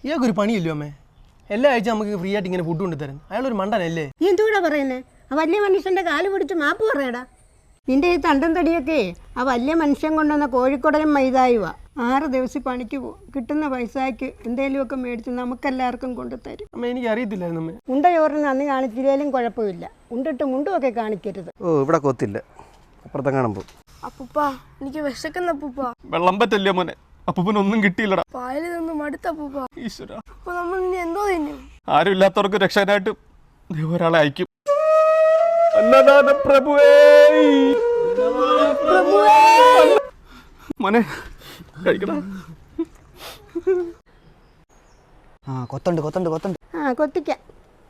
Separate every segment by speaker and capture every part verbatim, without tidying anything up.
Speaker 1: ഇയാൾക്കൊരു പണിയില്ലോ അമ്മേ? എല്ലാ ആഴ്ച നമുക്ക് ഫ്രീ ആയിട്ട് ഇങ്ങനെ ഫുഡ് കൊണ്ടുതരാൻ. അയാളൊരു മണ്ടനല്ലേ?
Speaker 2: നീ എന്തുകൂടാ പറയുന്നത്? ആ വലിയ മനുഷ്യൻ്റെ കാല് പിടിച്ച് മാപ്പ് പറയടാ. നിന്റെ ഈ തണ്ടും തടിയൊക്കെ ആ വലിയ മനുഷ്യൻ കൊണ്ടുവന്ന കോഴിക്കോടനും മൈതായുവാ. ആറ് ദിവസം പണിക്ക് പോകും. കിട്ടുന്ന പൈസയ്ക്ക് എന്തെങ്കിലുമൊക്കെ മേടിച്ച് നമുക്കെല്ലാവർക്കും കൊണ്ടുതരും.
Speaker 1: അമ്മ എനിക്ക് അറിയത്തില്ലായിരുന്നു അമ്മേ.
Speaker 2: ഉണ്ട ചോറിന് അന്ന് കാണിച്ചില്ലേലും കുഴപ്പമില്ല. ഉണ്ടിട്ട് മുണ്ടുമൊക്കെ കാണിക്കരുത്.
Speaker 3: ഓ ഇവിടെ കൊത്തില്ല, അപ്പുറത്തെ കാണുമ്പോൾ.
Speaker 4: അപ്പൂപ്പ എനിക്ക് വിശക്കുന്ന അപ്പൂപ്പ.
Speaker 1: വെള്ളം പറ്റല്ലേ മോനെ? അപ്പൂപ്പനൊന്നും കിട്ടിയില്ലടാ.
Speaker 4: പായലിൽ നിന്ന് മടുത്ത അപ്പൂപ്പ.
Speaker 1: ഈശ്വര,
Speaker 4: അപ്പൊ നമ്മൾ ഇനി എന്തോ തിന്നും?
Speaker 1: ആരും ഇല്ലാത്തവർക്ക് രക്ഷാനായിട്ട് ഒരാളെ അയക്കും. അന്നദാന പ്രഭുവേ, മോനെ കഴിക്കടാ.
Speaker 3: ആ കൊത്തുണ്ട് കൊത്തുണ്ട് കൊത്തുണ്ട്.
Speaker 2: ആ കൊത്തിക്കാം.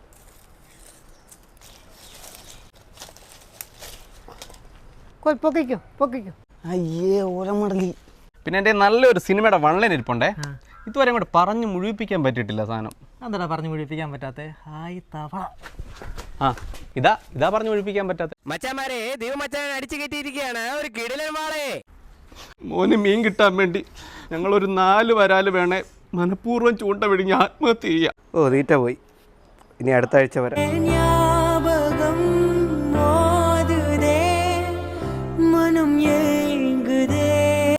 Speaker 2: പൊക്കിക്കോ പൊക്കിക്കോ.
Speaker 3: അയ്യേ ഓലമടലി.
Speaker 1: പിന്നെ എൻ്റെ നല്ലൊരു സിനിമയുടെ വൺലൈൻ ഇരിപ്പുണ്ടേ. ഇതുവരെ അങ്ങോട്ട് പറഞ്ഞു മുഴുവിപ്പിക്കാൻ പറ്റിയിട്ടില്ല സാധനം.
Speaker 5: എന്താ പറഞ്ഞു മുഴുവിപ്പിക്കാൻ പറ്റാത്ത? ഹായ് തവള.
Speaker 1: ആ ഇതാ ഇതാ പറഞ്ഞു മുഴുവിപ്പിക്കാൻ പറ്റാത്ത.
Speaker 6: മച്ചാമാരെ ദൈവമച്ചാൻ അടിച്ചു കയറ്റിയിരിക്കുകയാണ് ഒരു കിടിലൻ വാളെ.
Speaker 1: മോന് മീൻ കിട്ടാൻ വേണ്ടി ഞങ്ങളൊരു നാല് വരാല് വേണേ മനഃപൂർവ്വം ചൂണ്ട വിഴിഞ്ഞ് ആത്മഹത്യ ചെയ്യാം.
Speaker 3: ഓ തീറ്റ പോയി. ഇനി അടുത്ത ആഴ്ച വരാം.